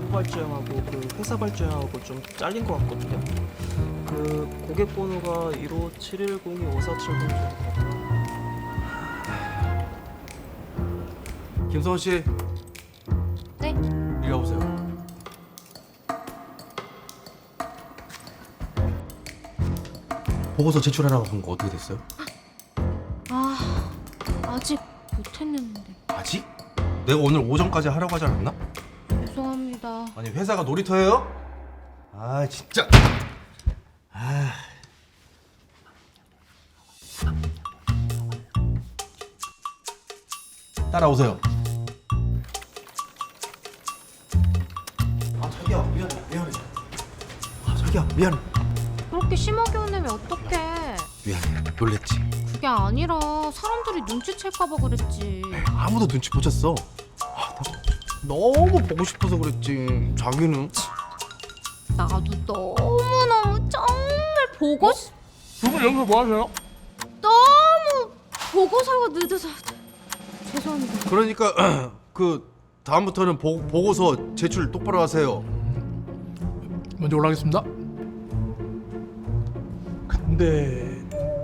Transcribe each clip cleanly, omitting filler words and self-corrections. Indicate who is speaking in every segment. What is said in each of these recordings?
Speaker 1: 사무 발주형하고 그 회사 발주형하고 좀 잘린 것 같거든요. 그 고객 번호가 15710-5470 정도 같아요.
Speaker 2: 김성원 씨.
Speaker 3: 네?
Speaker 2: 이리 와보세요. 보고서 제출하라고 한 거 어떻게 됐어요?
Speaker 3: 아직 못했는데.
Speaker 2: 아직? 내가 오늘 오전까지 하라고 하지 않았나?
Speaker 3: 죄송합니다.
Speaker 2: 아니 회사가 놀이터예요? 아 진짜. 아. 따라오세요. 아 자기야 미안해. 아 자기야 미안해.
Speaker 3: 그렇게 심하게 혼내면 어떡해.
Speaker 2: 미안해 놀랬지.
Speaker 3: 그게 아니라 사람들이 눈치챌까봐 그랬지.
Speaker 2: 아무도 눈치 못 챘어. 아, 나 너무 보고 싶어서 그랬지. 자기는.
Speaker 3: 나도 너무너무 정말 보고 싶...
Speaker 2: 두 분 여기서 뭐 하세요?
Speaker 3: 너무 보고서가 늦어서 죄송합니다.
Speaker 2: 그러니까 그 다음부터는 보고서 제출 똑바로 하세요.
Speaker 4: 먼저 올라가겠습니다. 근데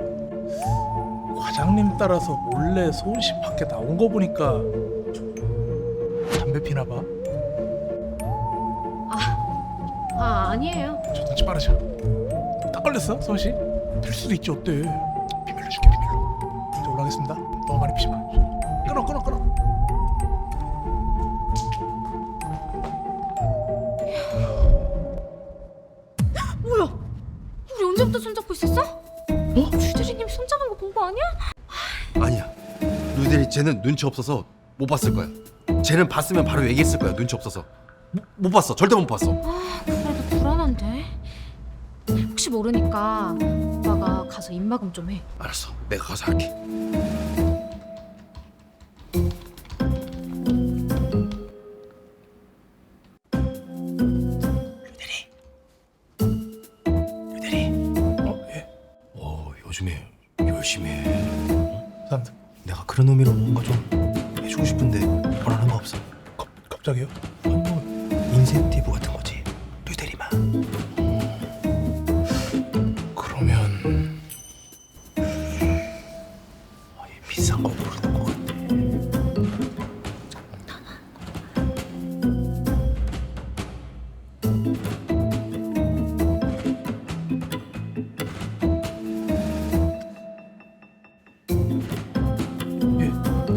Speaker 4: 과장님 따라서 몰래 소은 씨 밖에 나온 거 보니까 담배 피나 봐.
Speaker 3: 아니에요.
Speaker 4: 저 눈치 빠르죠. 딱 걸렸어, 소은 씨? 필 수도 있지 어때? 비밀로 줄게 비밀로. 먼저 올라가겠습니다. 너무 많이 피지 마. 끊어.
Speaker 3: 뭐야? 우리 언제부터 손잡고 있었어? 뭐? 주대리님 손잡은 거 본 거 아니야?
Speaker 2: 아니야. 루데리 쟤는 눈치 없어서 못 봤을 거야. 쟤는 봤으면 바로 얘기했을 거야. 눈치 없어서. 못 봤어. 절대 못 봤어.
Speaker 3: 그래도 불안한데. 혹시 모르니까 오빠가 가서 입막음 좀 해.
Speaker 2: 알았어. 내가 가서 할게. 루데리.
Speaker 4: 예.
Speaker 2: 요즘에 열심히 해.
Speaker 4: 감사합니다.
Speaker 2: 내가 그런 의미로 뭔가 좀 해주고 싶은데 원하는 거 없어?
Speaker 4: 갑자기요?
Speaker 2: 인센티브 같은 거지. 루데리만.
Speaker 4: 그러면
Speaker 2: 비싼 거 모르는 거 같아.
Speaker 4: 예.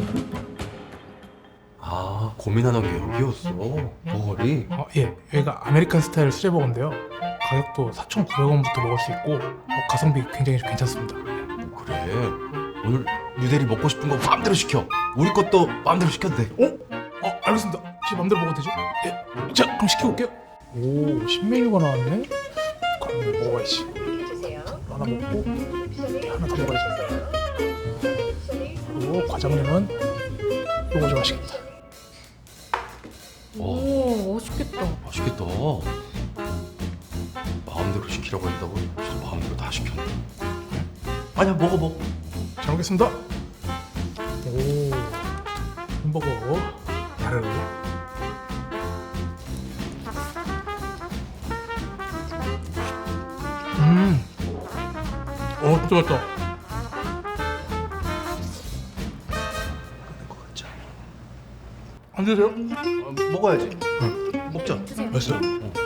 Speaker 2: 아 고민하는 게 여기였어. 버거리.
Speaker 4: 예. 여기가 아메리칸 스타일 수제버거인데요. 가격도 4,900원부터 먹을 수 있고 가성비 굉장히 괜찮습니다.
Speaker 2: 그래. 오늘 루데리 먹고 싶은 거 마음대로 시켜. 우리 것도 마음대로 시켜도 돼.
Speaker 4: 알겠습니다. 제 맘대로 먹어도 되죠? 예. 자, 그럼 시켜볼게요. 오, 신메뉴가 나왔네. 그럼 이거 먹어야지. 하나 먹고 하나 더 먹어야지. 그리고 과장님은 요거 좀 하시겠다.
Speaker 3: 오, 맛있겠다.
Speaker 2: 맛있겠다. 마음대로 시키라고 했다고 진짜 마음대로 다 시켰네. 아니야 먹어.
Speaker 4: 잘 먹겠습니다. 오, 햄버거 야르. 진짜 맛있다. 안 드세요?
Speaker 2: 먹어야지. 먹자.
Speaker 4: 맛있어요.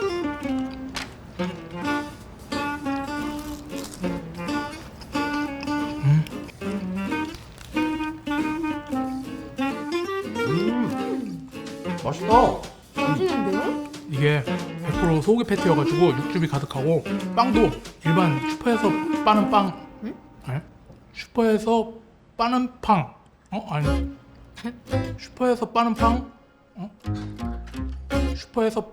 Speaker 2: 맛있다.
Speaker 3: 맛있는데요?
Speaker 4: 이게 100% 소고기 패티여가지고 육즙이 가득하고 빵도 일반 슈퍼에서 빠는 빵.
Speaker 3: 응?
Speaker 4: 아니? 슈퍼에서 빠는 팡. 아니. 슈퍼에서 빠는 팡. 슈퍼에서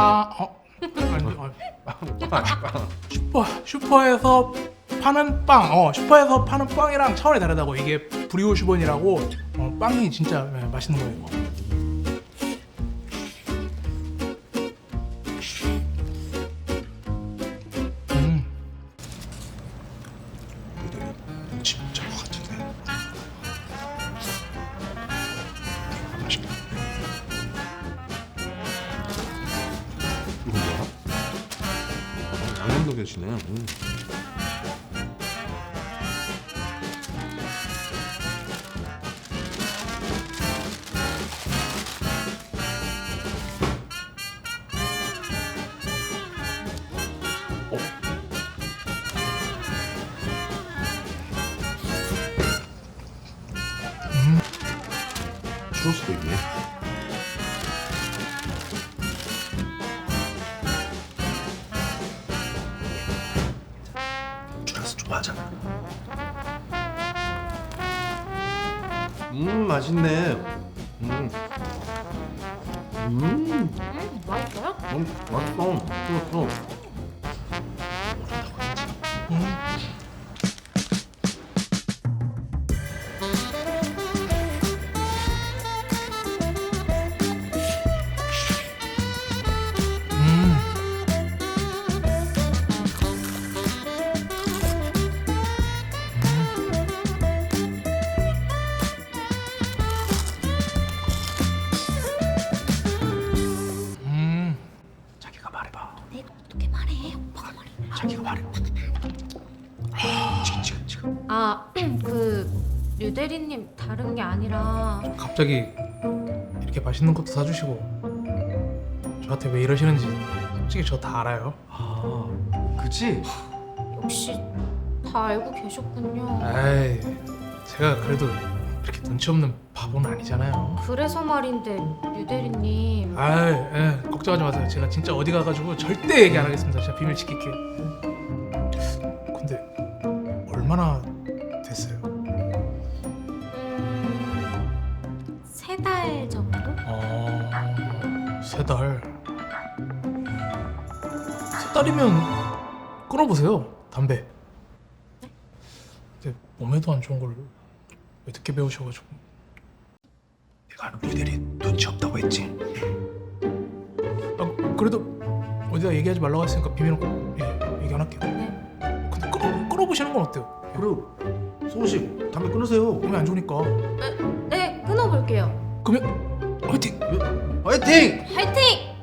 Speaker 4: 슈퍼에서 파는 빵. 슈퍼에서 파는 빵이랑 차원이 다르다고. 이게 브리오슈번이라고 빵이 진짜 맛있는 거예요. 이거. 진짜 것 같은데. 맛있겠다.
Speaker 2: 엄청 넘겨주시네. 추울 수도 있네. 줄여서 좋아하잖아. 맛있네.
Speaker 3: 맛있어요?
Speaker 2: 맛있어. 맛있어. 자기가 말해봐.
Speaker 3: 내가 어떻게 말해? 오빠가 말해.
Speaker 2: 자기가 말해. 지금.
Speaker 3: 아, 그 류대리님 다른 게 아니라
Speaker 4: 갑자기 이렇게 맛있는 것도 사주시고 저한테 왜 이러시는지 솔직히 저 다 알아요.
Speaker 2: 아, 그치?
Speaker 3: 역시 다 알고 계셨군요.
Speaker 4: 에이, 제가 그래도 그렇게 눈치 없는 바보는 아니잖아요.
Speaker 3: 그래서 말인데 류대리님
Speaker 4: 아이, 걱정하지 마세요. 제가 진짜 어디 가가지고 절대 얘기 안 하겠습니다. 제가 비밀 지킬게요. 근데 얼마나 됐어요?
Speaker 3: 3달 정도?
Speaker 4: 3달. 3달이면 끊어보세요. 담배. 근데 몸에도 안 좋은 걸 왜 늦게 배우셔가지고.
Speaker 2: 내가 루델이 눈치 없다고 했지.
Speaker 4: 아, 그래도 어디다 얘기하지 말라고 했으니까 비밀은 꼭 얘기 안 할게요.
Speaker 3: 네.
Speaker 4: 근데 끊어보시는 건 어때요?
Speaker 2: 그리고 성우 씨 담배 끊으세요.
Speaker 4: 몸에 안 좋으니까.
Speaker 3: 네, 끊어볼게요.
Speaker 4: 그러면 화이팅!
Speaker 2: 화이팅!
Speaker 3: 화이팅!